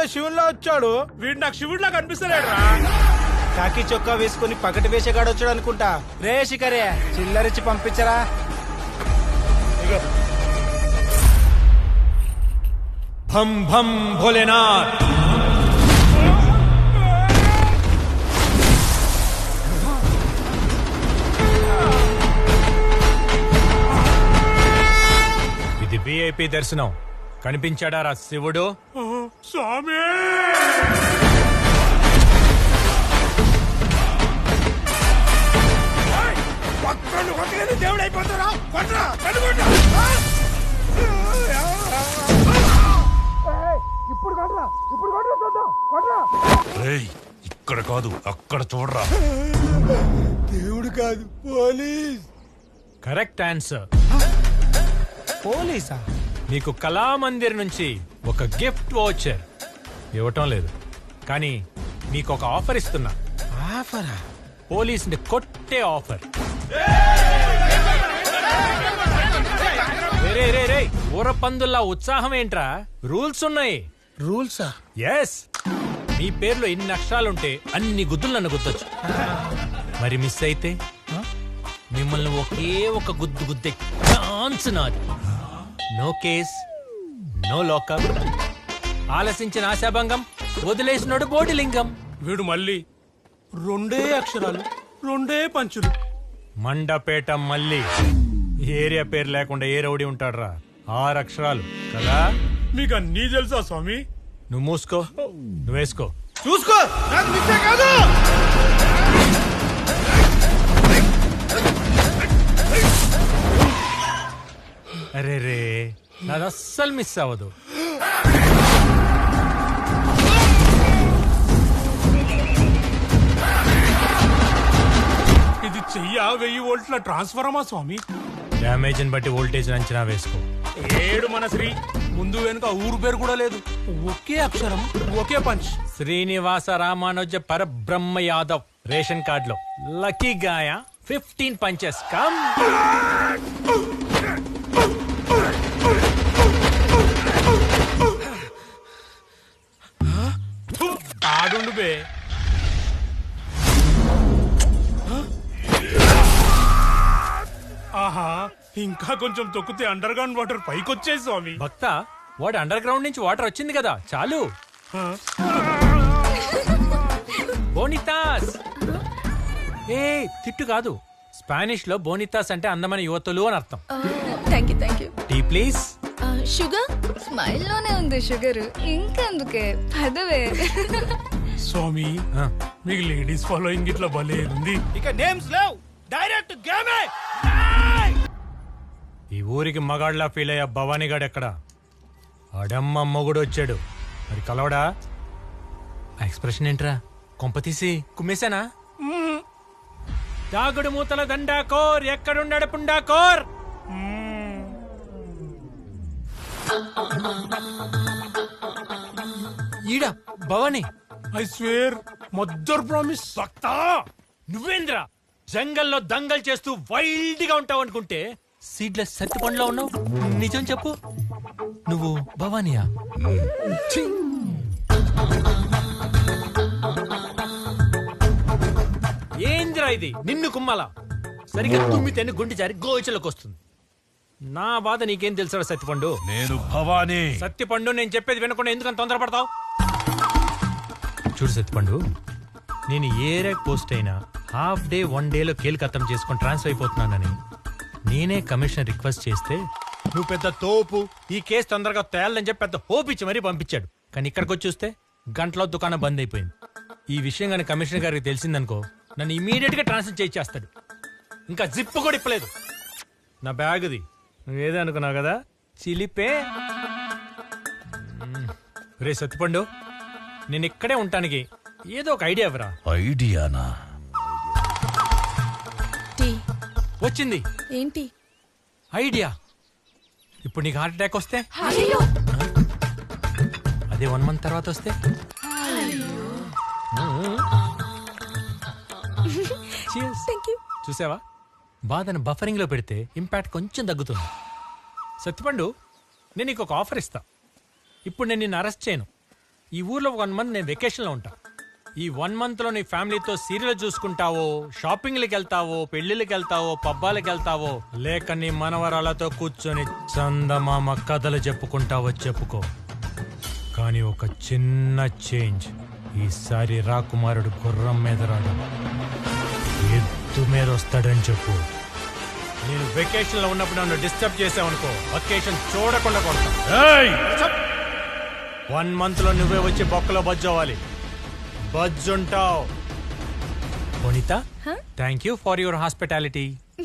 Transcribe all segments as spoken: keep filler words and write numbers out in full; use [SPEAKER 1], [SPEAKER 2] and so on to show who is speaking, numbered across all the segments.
[SPEAKER 1] శివుల్లో వచ్చాడు. వీడు నాకు శివుడిలా కనిపిస్తలేడు రా.
[SPEAKER 2] కాకి చొక్కా వేసుకుని పకటి వేషగాడు వచ్చాడు అనుకుంటా. రే శిఖరే, చిల్లరిచ్చి పంపించరా.
[SPEAKER 3] భం భం భోలేనాథ్. ఇది విఐపి దర్శనం. కనిపించాడా రా శివుడు?
[SPEAKER 1] స్వామి దేవుడు అయిపోతారా? ఇప్పుడు కొట్రా, ఇప్పుడు కొట్రా, చూద్దాం. కొట్రా.
[SPEAKER 3] ఇక్కడ కాదు, అక్కడ చూడరా.
[SPEAKER 1] దేవుడు కాదు, పోలీస్.
[SPEAKER 3] Correct answer.
[SPEAKER 2] పోలీసా?
[SPEAKER 3] నీకు కళామందిర్ నుంచి ఒక గిఫ్ట్ వోచర్ ఇవ్వటం లేదు, కానీ నీకు ఒక ఆఫర్ ఇస్తున్నా.
[SPEAKER 2] ఆఫరా?
[SPEAKER 3] పోలీసుని కొట్టే ఆఫర్. రే రే రే ఊర పందుల్లా ఉత్సాహం ఏంట్రా? రూల్స్ ఉన్నాయి.
[SPEAKER 2] రూల్సా?
[SPEAKER 3] ఎస్. మీ పేర్లో ఎన్ని అక్షరాలుంటే అన్ని గుద్దులు నన్ను గుద్దొచ్చు. మరి మిస్ అయితే మిమ్మల్ని ఒకే ఒక గుద్దు గుద్దే ఛాన్స్ నాది. No case, no lockup. ఆలసించిన ఆశాభంగం, వదిలేసినోడు బోడిలింగం.
[SPEAKER 1] వీడు మళ్ళీ రెండే అక్షరాలు, రెండే పంచులు.
[SPEAKER 3] మండపేట మళ్ళీ. ఏరియా పేరు లేకుండా ఏ రౌడీ ఉంటాడ్రా? ఆరు అక్షరాలు కదా.
[SPEAKER 1] మీకు అన్నీ తెలుసా స్వామి?
[SPEAKER 3] నువ్వు మూసుకో, నువ్వు వేసుకో.
[SPEAKER 1] చూసుకో, నాకు మిస్సే కాదు.
[SPEAKER 3] అరే రే, నాది అస్సలు మిస్ అవ్వదు.
[SPEAKER 1] ఇది చెయ్య వెయ్యి వోల్ట్ల ట్రాన్స్ఫార్మా స్వామి.
[SPEAKER 3] డ్యామేజ్ ని బట్టి వోల్టేజ్ అంచనా వేసుకో.
[SPEAKER 1] ఏడు మన శ్రీ. ముందు వెనుక ఊరు పేరు కూడా లేదు, ఒకే అక్షరం, ఒకే punch.
[SPEAKER 3] Srinivasa Ramanuja Parabrahma Yadav. Ration card లో lucky guy. Fifteen punches. Come.
[SPEAKER 1] ఆడుండు బే. ఆహా, ఇంకా కొంచెం తొక్కితే అండర్ గ్రౌండ్ వాటర్ పైకి వచ్చేది స్వామి.
[SPEAKER 3] భక్త, వాడు అండర్ గ్రౌండ్ నుంచి వాటర్ వచ్చింది కదా, చాలు. బోనితాస్. ఏ తిట్టు కాదు, స్పానిష్ లో బోనితాస్ అంటే అందమైన యువతులు అని అర్థం.
[SPEAKER 4] Thank you thank you.
[SPEAKER 3] Tea please.
[SPEAKER 4] Sugar smile లోనే ఉంది షుగర్, ఇంకెందుకే పదవే.
[SPEAKER 1] స్వామి, మీకు లేడీస్ ఫాలోయింగ్ ఇట్లా భలే ఉంది.
[SPEAKER 2] ఇక నేమ్స్ లేవు, డైరెక్ట్ గేమే.
[SPEAKER 3] ఈ ఊరికి మగాళ్ళ ఫీల్ అయ్యా భవానీగాడు ఎక్కడ? అడమ్మ మొగుడు వచ్చాడు, మరి కలవడా? ఆ ఎక్స్ప్రెషన్ ఏంట్రా? కొంపతీసి కుమ్మేశానా? దాగుడు మూతల దండాకోర్, ఎక్కడున్నాడు పుండాకోర్? ఈడా Bhavani.
[SPEAKER 1] I swear, mother promise.
[SPEAKER 3] భక్తా, నువ్వేంద్రా జంగల్లో దంగల్ చేస్తూ వైల్డ్ గా ఉంటావు అనుకుంటే సీడ్లెస్ సత్తి పండ్లో ఉన్నావు. నిజం చెప్పు, నువ్వు భవానీయా? ఏంద్రా ఇది? నిన్ను కుమ్మాలా? సరిగ్గా తుమ్మితేనే గుండె జారి గోచలకు వస్తుంది. నా బాధ నీకేం తెలుసా సత్తిపండు?
[SPEAKER 5] నేను భవానీ.
[SPEAKER 3] సత్తిపండు, నేను చెప్పేది వినకుండా ఎందుకని తొందరపడతావు? చూడు సత్తిపండు, నేను ఏ ర్యాక్ పోస్ట్ అయినా హాఫ్ డే వన్ డేలో కేల్కత్తం చేసుకొని ట్రాన్స్ఫర్ అయిపోతున్నానని నేనే కమిషనర్ రిక్వెస్ట్ చేస్తే నువ్వు పెద్ద తోపు, ఈ కేసు తొందరగా తేలని చెప్పి పెద్ద హోప్ ఇచ్చి మరీ పంపించాడు. కానీ ఇక్కడికి వచ్చి చూస్తే గంటలో దుకాణం బంద్ అయిపోయింది. ఈ విషయం కానీ కమిషనర్ గారికి తెలిసిందనుకో, నన్ను ఇమీడియట్ గా ట్రాన్స్ఫర్ చేయించేస్తాడు. ఇంకా జిప్ కూడా ఇప్పలేదు. నా బ్యాగ్ది నువ్వేదో అనుకున్నావు కదా, చిలిపే. రే సత్తిపండు, నేను ఇక్కడే ఉంటానికి ఏదో ఒక ఐడియా ఇవ్వరా?
[SPEAKER 5] ఐడియానా?
[SPEAKER 4] టీ
[SPEAKER 3] వచ్చింది.
[SPEAKER 4] ఏంటి
[SPEAKER 3] ఐడియా. ఇప్పుడు నీకు హార్ట్ అటాక్ వస్తే,
[SPEAKER 4] అయ్యో
[SPEAKER 3] అదే వన్ మంత్ తర్వాత వస్తే, Cheers.
[SPEAKER 4] Thank you.
[SPEAKER 3] చూసావా, బాధను బఫరింగ్ లో పెడితే ఇంపాక్ట్ కొంచెం తగ్గుతుంది. సత్తిపండు, నేను నీకు ఒక ఆఫర్ ఇస్తా. ఇప్పుడు నేను నిన్ను అరెస్ట్ చేయను, ఈ ఊర్లో వన్ మంత్ నేను వెకేషన్లో ఉంటా. ఈ వన్ మంత్ లో నీ ఫ్యామిలీతో సీరియల్ చూసుకుంటావో, షాపింగ్లకి వెళ్తావో, పెళ్లిళ్ళకి వెళ్తావో, పబ్బాలకి వెళ్తావో, లేక నీ మనవరాలతో కూర్చొని చందమామ కథలు చెప్పుకుంటావో చెప్పుకో. కానీ ఒక చిన్న చేంజ్, ఈసారి రాకుమారుడు గుర్రం మీద రాడు, ఎద్దు మీద వస్తాడని చెప్పు. నేను వెకేషన్ లో ఉన్నప్పుడు నన్ను డిస్టర్బ్ చేసావనుకో, వెకేషన్ చూడకుండా కొడతా.
[SPEAKER 5] ఏయ్!
[SPEAKER 3] వన్ మంత్ లో నువ్వే వచ్చి బొక్కలో బజ్జోవాలి. బజ్జుంటావు. వనిత, thank you for your hospitality.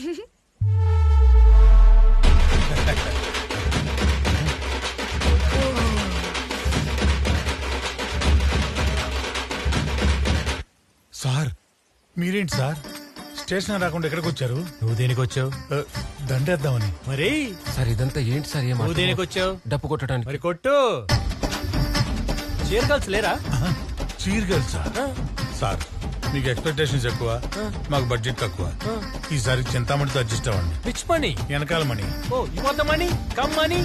[SPEAKER 5] Sir మీరేంటి సార్ స్టేషన్ రాకుండా ఎక్కడికి వచ్చారు?
[SPEAKER 3] నువ్వు దేనికి వచ్చావు?
[SPEAKER 5] ఆ, దండేద్దామని.
[SPEAKER 3] మరి
[SPEAKER 6] సార్ ఇదంతా ఏంటి సార్?
[SPEAKER 3] నువ్వు దేనికి వచ్చావు?
[SPEAKER 6] డప్పు కొట్టడానికి.
[SPEAKER 3] మరి కొట్టు. చీరగల్స్ లేరా?
[SPEAKER 5] చీరగల్ సార్. సార్ మీకు ఎక్స్పెక్టేషన్స్ ఎక్కువ, మాకు బడ్జెట్ తక్కువ. ఈసారి చింతామణితో అడ్జస్ట్ అవ్వండి.
[SPEAKER 3] Which money?
[SPEAKER 5] వెనకాల Mani.
[SPEAKER 3] Oh you want the money? Come money.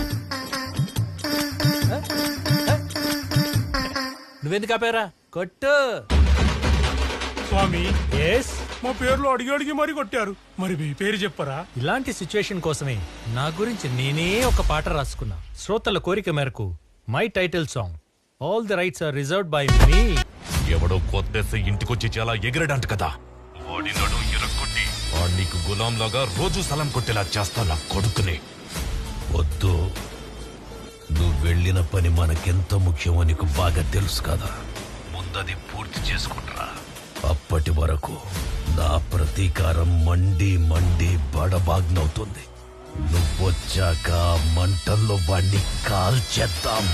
[SPEAKER 3] నువ్వెందుకు ఆపారా? కొట్టు.
[SPEAKER 1] స్వామి,
[SPEAKER 3] ఎస్.
[SPEAKER 1] మా పేర్లు అడిగి అడిగి మరీ కొట్టారు. మరి మీ పేరు చెప్పరా?
[SPEAKER 3] ఇలాంటి సిచ్యువేషన్ కోసమే నా గురించి నేనే ఒక పాట రాసుకున్నా. శ్రోతల కోరిక మేరకు my title song all the rights are reserved by me.
[SPEAKER 7] ఎవడో కొత్తేసి ఇంటికొచ్చి చాలా ఎగిరడంట కదా, వాడి నడు ఎరగొట్టి వాడు నీకు గులాంలాగా రోజు సలం కొట్టేలా చేస్తా నా కొడుకుని.
[SPEAKER 5] వద్దు, నువ్వు వెళ్ళిన పని మనకెంత ముఖ్యమో నీకు బాగా తెలుసు కదా. ముందది పూర్తి చేసుకుంటా. అప్పటి వరకు నా ప్రతీకారం మండి మండి బడబాగ్నవుతుంది. నువ్వొచ్చాక మంటల్లో వాణ్ణి కాల్చేద్దాం.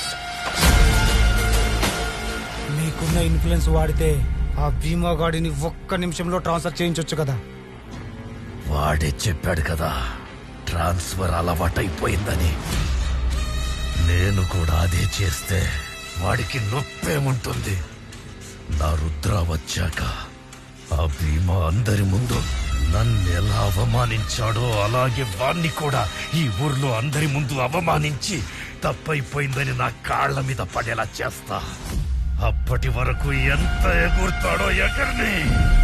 [SPEAKER 2] మీకున్న ఇన్ఫ్లుయెన్స్ వాడితే ఆ భీమా గాడిని ఒక్క నిమిషంలో ట్రాన్స్ఫర్ చేయించొచ్చు కదా.
[SPEAKER 5] వాడే చెప్పాడు కదా ట్రాన్స్ఫర్ అలవాటైపోయిందని. నేను కూడా అదే చేస్తే వాడికి నొప్పేముంటుంది. నా రుద్ర వచ్చాక ఆ భీమా అందరి ముందు నన్ను ఎలా అవమానించాడో అలాగే వాణ్ణి కూడా ఈ ఊర్లో అందరి ముందు అవమానించి తప్పైపోయిందని నా కాళ్ల మీద పడేలా చేస్తా. అప్పటి వరకు ఎంత ఎగురుతాడో ఎగర్ని.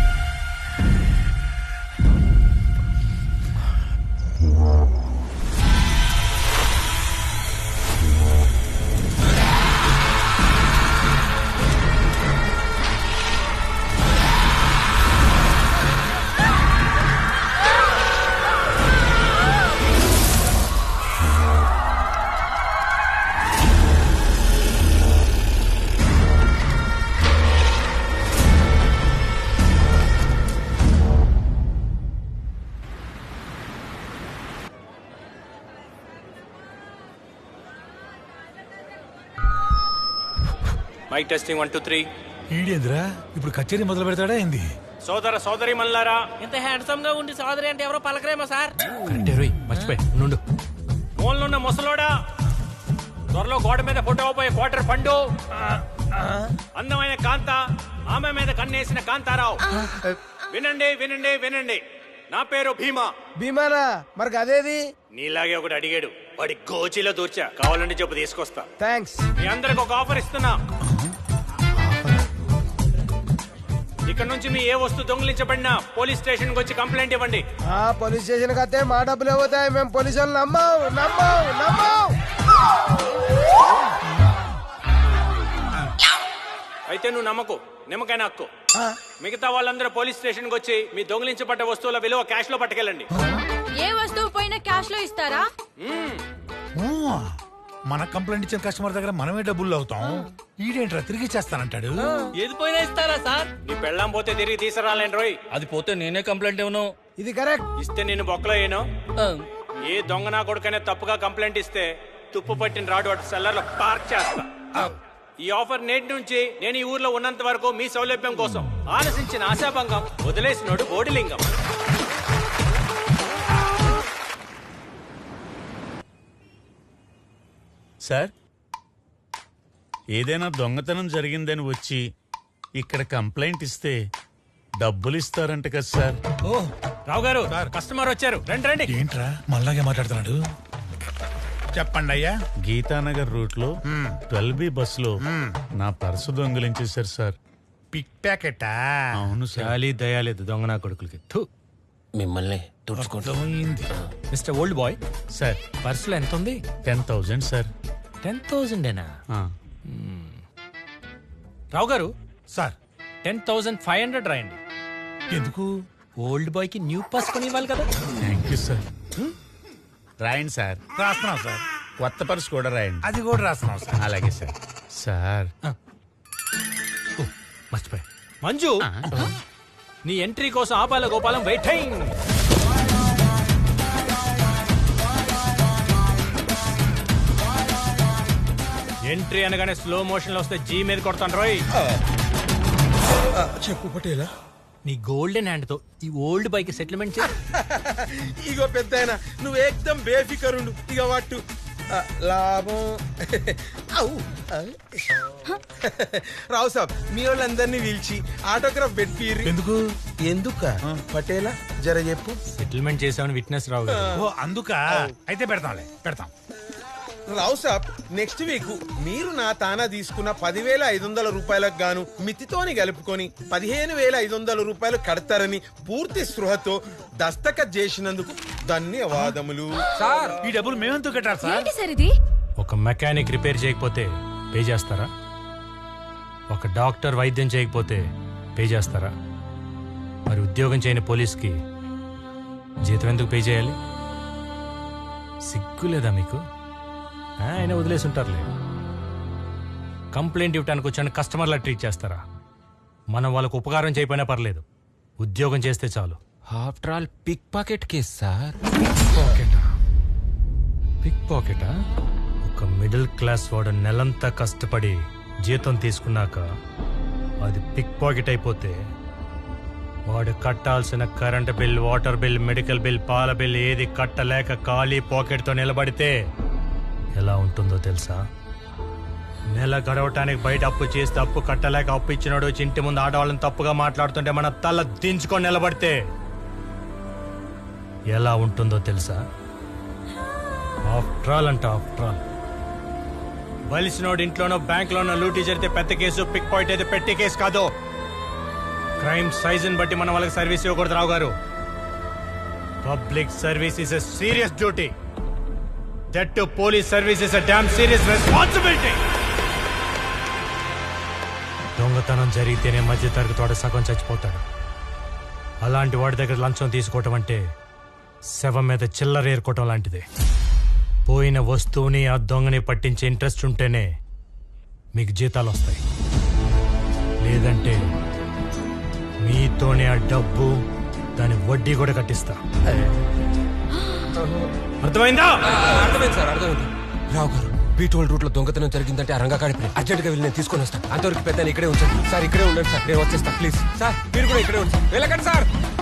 [SPEAKER 3] Mike testing one two three.
[SPEAKER 5] ఈడేంద్రా ఇప్పుడు కచేరీ మొదలు పెడతాడా ఏంది?
[SPEAKER 3] సోదర సోదరి మల్లారా,
[SPEAKER 8] ఇంత హ్యాండ్సమ్ గా ఉండి సోదరి అంటే ఎవరో పలకరేమో సార్.
[SPEAKER 3] కరెక్టే రోయ్, మర్చిపోయి నుండు. ఫోన్లున్న ముసలోడా, త్వరలో గోడ మీద ఫోటో పోయే క్వార్టర్ పండు, అందమైన కాంత, ఆమె మీద కన్నేసిన కాంతారావు. వినండి వినండి వినండి, నా పేరు భీమా.
[SPEAKER 2] భీమానా మరి అదేది?
[SPEAKER 3] నీలాగే ఒకటి అడిగాడు, వాడి గోచిలో దూర్చా. కావాలంటే చెప్పు తీసుకొస్తా.
[SPEAKER 2] థ్యాంక్స్.
[SPEAKER 3] మీ అందరికి ఒక ఆఫర్ ఇస్తున్నా. ఇక్కడ నుంచి మీ ఏ వస్తువు దొంగిలించబడినా పోలీస్ స్టేషన్ కి వచ్చి కంప్లైంట్ ఇవ్వండి.
[SPEAKER 2] ఆ పోలీస్ స్టేషన్ కతే మా డబ్బులు పోతాయి. మేము పోలీసు వాళ్ళు నమ్మం నమ్మం నమ్మం.
[SPEAKER 3] అయితే నువ్వు నమ్మకు, నిమ్మకాయ నక్కు. మిగతా వాళ్ళందరూ పోలీస్ స్టేషన్ కి వచ్చి మీ దొంగిలించబడ్డ వస్తువుల విలువ క్యాష్ లో పట్టుకెళ్ళండి.
[SPEAKER 4] ఏ వస్తువు పోయినా క్యాష్ లో ఇస్తారా?
[SPEAKER 5] మన కంప్లైంట్ ఇచ్చిన కస్టమర్ దగ్గర మనమే డబ్బులు అవుతాం. ఈడేంట్రా తిరిగి చేస్తానంటాడు.
[SPEAKER 8] ఏది పోయినా ఇస్తారా సార్?
[SPEAKER 3] నీ పెళ్ళాం పోతే తిరిగి తీసుకురాలేను రోయ్.
[SPEAKER 8] అది పోతే నేనే కంప్లైంట్ ఇవ్వను.
[SPEAKER 2] ఇది కరెక్ట్.
[SPEAKER 3] ఇస్తే నేను బొక్కలో ఏను. ఏ దొంగ నా కొడుకనే తప్పుగా కంప్లైంట్ ఇస్తే తుప్పు పట్టిన రాడు అటు సెల్లర్ లో పార్క్ చేస్తా. ఈ ఆఫర్ నేటి నుంచి నేను ఈ ఊర్లో ఉన్నంత వరకు మీ సౌలభ్యం కోసం. ఆలసించిన ఆశాభంగం, వదిలేసినోడు బోడిలింగం.
[SPEAKER 9] సార్, ఏదైనా దొంగతనం జరిగిందని వచ్చి ఇక్కడ కంప్లైంట్ ఇస్తే డబ్బులు ఇస్తారంట కదా సార్?
[SPEAKER 3] ఓ రావు గారు, కస్టమర్ వచ్చారు, రండి రండి.
[SPEAKER 5] ఏంట్రా మళ్ళాగే మాట్లాడుతున్నాడు? చెప్పండి అయ్యా.
[SPEAKER 9] గీతానగర్ రూట్ లో ట్వెల్వ్ బి బస్ లో నా పర్సు దొంగిలించేశారు సార్.
[SPEAKER 5] పిక్ ప్యాకెటా?
[SPEAKER 9] అవును సార్.
[SPEAKER 3] చాలీ దయాలేదు దొంగ నా కొడుకులకి. థు.
[SPEAKER 6] మిమ్మల్ని తుడుచుకుంటాం.
[SPEAKER 3] మిస్టర్ ఓల్డ్ బాయ్,
[SPEAKER 9] సార్
[SPEAKER 3] పర్సులో ఎంత ఉంది?
[SPEAKER 9] Ten thousand sir.
[SPEAKER 3] టెన్ థౌజండేనా?
[SPEAKER 9] ఆ,
[SPEAKER 3] Rao garu,
[SPEAKER 5] sir
[SPEAKER 3] ten thousand five hundred రాయండి.
[SPEAKER 5] ఎందుకు?
[SPEAKER 3] ఓల్డ్ బాయ్ కి న్యూ పాస్ కొని ఇవ్వాలి కదా.
[SPEAKER 9] Thank you sir. రాయండి సార్.
[SPEAKER 5] రాస్తున్నాం సార్.
[SPEAKER 9] కొత్త పర్సు కూడా రాయండి.
[SPEAKER 5] అది కూడా రాస్తున్నాం సార్.
[SPEAKER 9] అలాగే సార్. సార్
[SPEAKER 3] ఓ, మర్చిపోయా. మంజు, నీ ఎంట్రీ కోసం ఆపాల గోపాలం వెయిటింగ్. ఎంట్రీ అనగానే స్లో మోషన్ లో వస్తే జీ మీద కొడతాను రోయ్.
[SPEAKER 10] చెప్పు పటేలా.
[SPEAKER 3] నీ గోల్డెన్ హ్యాండ్ తో ఈ ఓల్డ్ బైక్ సెటిల్మెంట్ చేయి.
[SPEAKER 10] ఇగో పెద్దాయన, నువ్వు ఏకదం బేఫికరుండు. ఇక వాటు ఆ, లాభం అవు ఆ. రావు సాబ్, మీ వాళ్ళందరినీ పిలిచి ఆటోగ్రాఫ్ పెట్టిర్రి.
[SPEAKER 5] ఎందుకు?
[SPEAKER 10] ఎందుక పటేలా జర చెప్పు.
[SPEAKER 3] సెటిల్మెంట్ చేసామని విట్నెస్ రావు గారు.
[SPEAKER 5] ఓ అందుక. అయితే పెడతాంలే, పెడతాం.
[SPEAKER 10] రావు సాబ్, నెక్స్ట్ వీక్ మీరు నా తానా తీసుకున్న పదివేల ఐదు వందల రూపాయలకు గాను మితితోని కలుపుకొని పదిహేను వేల ఐదు వందల రూపాయలు కడతారని పూర్తి స్పృహతో దస్తఖత్ చేసినందుకు ధన్యవాదములు.
[SPEAKER 5] సార్ ఈ డబ్బులు మేమెందుకు కట్టారు సార్?
[SPEAKER 4] ఏంటి సార్ ఇది?
[SPEAKER 3] ఒక మెకానిక్ రిపేర్ చేయకపోతే పే చేస్తారా? ఒక డాక్టర్ వైద్యం చేయకపోతే పే చేస్తారా? మరి ఉద్యోగం చేయని పోలీస్కి జీతం ఎందుకు పే చేయాలి? సిగ్గు లేదా మీకు? ఆ, ఆయన వదిలేసి ఉంటారులే. కంప్లైంట్ ఇవ్వడానికి వచ్చాను కస్టమర్లా ట్రీట్ చేస్తారా? మనం వాళ్ళకు ఉపకారం చేయకపోయినా పర్లేదు, ఉద్యోగం చేస్తే చాలు.
[SPEAKER 6] After all pick pocket case sir.
[SPEAKER 3] పాకెటా? పిక్ పాకెటా? ఒక మిడిల్ క్లాస్ వాడు నెలంతా కష్టపడి జీతం తీసుకున్నాక అది పిక్ పాకెట్ అయిపోతే వాడు కట్టాల్సిన current bill, water bill, medical bill, పాల బిల్ ఏది కట్టలేక ఖాళీ పాకెట్తో నిలబడితే ఎలా ఉంటుందో తెలుసా? నెల గడవటానికి బయట అప్పు చేస్తే అప్పు కట్టలేక అప్పు ఇచ్చినాడు వచ్చి ఇంటి ముందు ఆడవాళ్ళని తప్పుగా మాట్లాడుతుంటే మన తల దించుకొని నిలబడితే ఎలా ఉంటుందో తెలుసా? ఆఫ్టర్ ఆల్ అంట ఆఫ్టర్ ఆల్. బలిసినోడు ఇంట్లోనో బ్యాంక్లోనో లూటీ జరిగితే పెద్ద కేసు, పిక్ పాయింట్ అయితే పెట్టి కేసు కాదు. క్రైమ్ సైజుని బట్టి మనం వాళ్ళకి సర్వీస్ ఇవ్వకూడదు Rao garu. Public service is a serious duty. That too police service is a damn serious responsibility. దొంగతనం జరిగితేనే మధ్య తరగతి వాడు సగం చచ్చిపోతాడు. అలాంటి వాడి దగ్గర లంచం తీసుకోవటం అంటే శవం మీద చిల్లర ఏరుకోవటం లాంటిదే. పోయిన వస్తువుని ఆ దొంగని పట్టించే ఇంట్రెస్ట్ ఉంటేనే మీకు జీతాలు వస్తాయి. లేదంటే మీతోనే ఆ డబ్బు, దాని వడ్డీ కూడా కట్టిస్తా. అర్థమైందా?
[SPEAKER 6] అర్థమైంది సార్, అర్థమైంది. రావు గారు, బీటోల్ రూట్ లో దొంగతనం జరిగిందంటే ఆ రంగా కాడిపోయి అర్జెంట్ గా వెళ్ళి నేను తీసుకొని వస్తాను. అంతవరకు పెద్ద ఇక్కడే ఉంచండి సార్. ఇక్కడే ఉండండి సార్, నేను వచ్చేస్తా ప్లీజ్. సార్ మీరు కూడా ఇక్కడే ఉంచండి. వెళ్ళకండి సార్.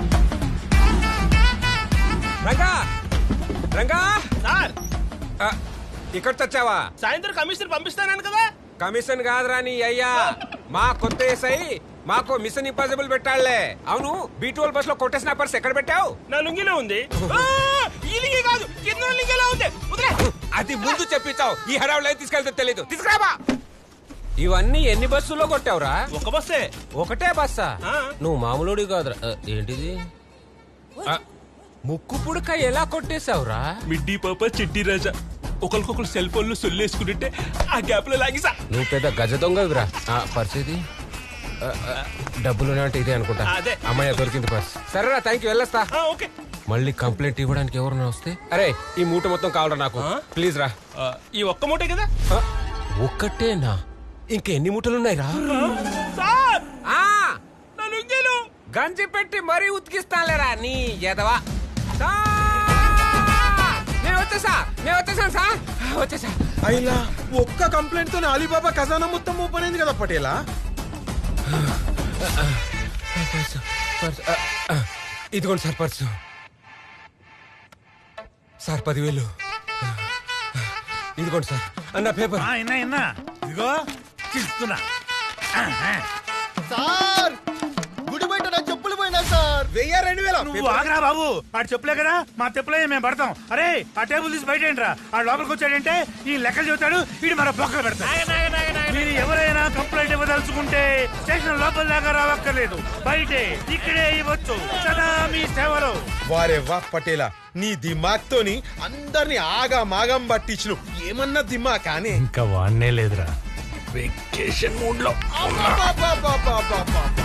[SPEAKER 6] రంగా, రంగా
[SPEAKER 8] సార్,
[SPEAKER 6] ఇక్కడ తెచ్చావా?
[SPEAKER 8] సాయంత్రం కమిషన్ పంపిస్తాను కదా.
[SPEAKER 6] కమిషన్ కాదురా నీ అయ్యా, మా కొత్త ఏసై మాకు మిషన్ ఇంపాసిబుల్ పెట్టాళ్లే. అవును, బీటోల్ బస్ లో కొట్టేసిన పర్స్ ఎక్కడ పెట్టావు?
[SPEAKER 8] నా లుంగిలో ఉంది. ఈ లింగి కాదు, కింద లింగిలో ఉంది.
[SPEAKER 6] అది ముందు చెప్పించావు, ఈ హడావులు అయితే తీసుకెళ్తే తెలీదు. తీసుకురాబా. ఇవన్నీ ఎన్ని బస్సుల్లో కొట్టావురా?
[SPEAKER 8] ఒక బస్సే.
[SPEAKER 6] ఒకటే బస్సా? నువ్వు మామూలుడి కాదురా. ఆ, ఏంటిది? ఆ, ముక్కు పుడక ఎలా కొట్టేశావురా?
[SPEAKER 8] మిడ్డీ పాప చిట్టి రాజా ఒకరికొకరు సెల్ ఫోన్లు సొల్లేసుకుంటుంటే ఆ గ్యాప్ లో లాగిసా.
[SPEAKER 6] నువ్వు పెద్ద గజ దొంగవిరా. పరిస్థితి డబ్బులు అంటే ఇదే అనుకుంటా.
[SPEAKER 8] అదే.
[SPEAKER 6] అమ్మాయి దొరికింది పర్స్. సరేరా, థ్యాంక్ యూ, వెళ్ళొస్తా.
[SPEAKER 8] ఓకే.
[SPEAKER 6] మళ్ళీ కంప్లైంట్ ఇవ్వడానికి ఎవరన్నా వస్తే, అరే ఈ మూట మొత్తం కావాలరా నాకు, ప్లీజ్ రా.
[SPEAKER 8] ఈ ఒక్క మూటే కదా.
[SPEAKER 6] ఆ, ఒక్కటేనా? ఇంకెన్ని మూటలున్నాయి రా?
[SPEAKER 8] సార్,
[SPEAKER 6] ఆ,
[SPEAKER 8] నా లుంగిలో
[SPEAKER 6] గంజి పెట్టి మరీ ఉతికిస్తానులేరా నీ ఎదవా. నేను వచ్చేసా, నేను వచ్చేసాను సార్, వచ్చేసా.
[SPEAKER 10] అయినా ఒక్క కంప్లైంట్ తో అలీబాబా ఖజానా మొత్తం ఓపెన్ అయింది కదా పటేలా.
[SPEAKER 6] ఇదిగోండి సార్ పర్సు. సార్ పదివేలు. ఇదిగోండి సార్ అన్న పేపర్.
[SPEAKER 5] ఆ, ఇన్నా ఇన్నా ఇదిగో ఇస్తున్నా.
[SPEAKER 10] సార్, గుడి బయట నా చెప్పులు పోయినా సార్. వెయ్యి రెండు వేల
[SPEAKER 9] నువ్వు ఆగరా బాబు ఆడు చెప్పులే కదా మా చెప్పులే మేము పడతాం. అరే ఆ టేబుల్ తీసి బయట ఏంట్రా ఆ లోపలికి వచ్చాడంటే ఈ లెక్కలు చెబుతాడు వీడు మన బొక్కలు పెడతాడు. మీరు ఎవరైనా కంప్లైంట్ ఇవ్వదలుచుకుంటే స్టేషన్ లోపల దాకా రావక్కర్లేదు, బయటే ఇక్కడే ఇవ్వచ్చు. సదా మీ సేవలో.
[SPEAKER 10] వారే వా పటేలా, నీ దిమాగ్ తోని అందరిని ఆగా మాగం పట్టించు. ఏమన్నా దిమాగ్ కానీ
[SPEAKER 3] ఇంకా వాడనే లేదురా.
[SPEAKER 8] వెకేషన్ మూడ్ లో
[SPEAKER 10] అబ్బబ్బబ్బబ్బబ్బబ్బ.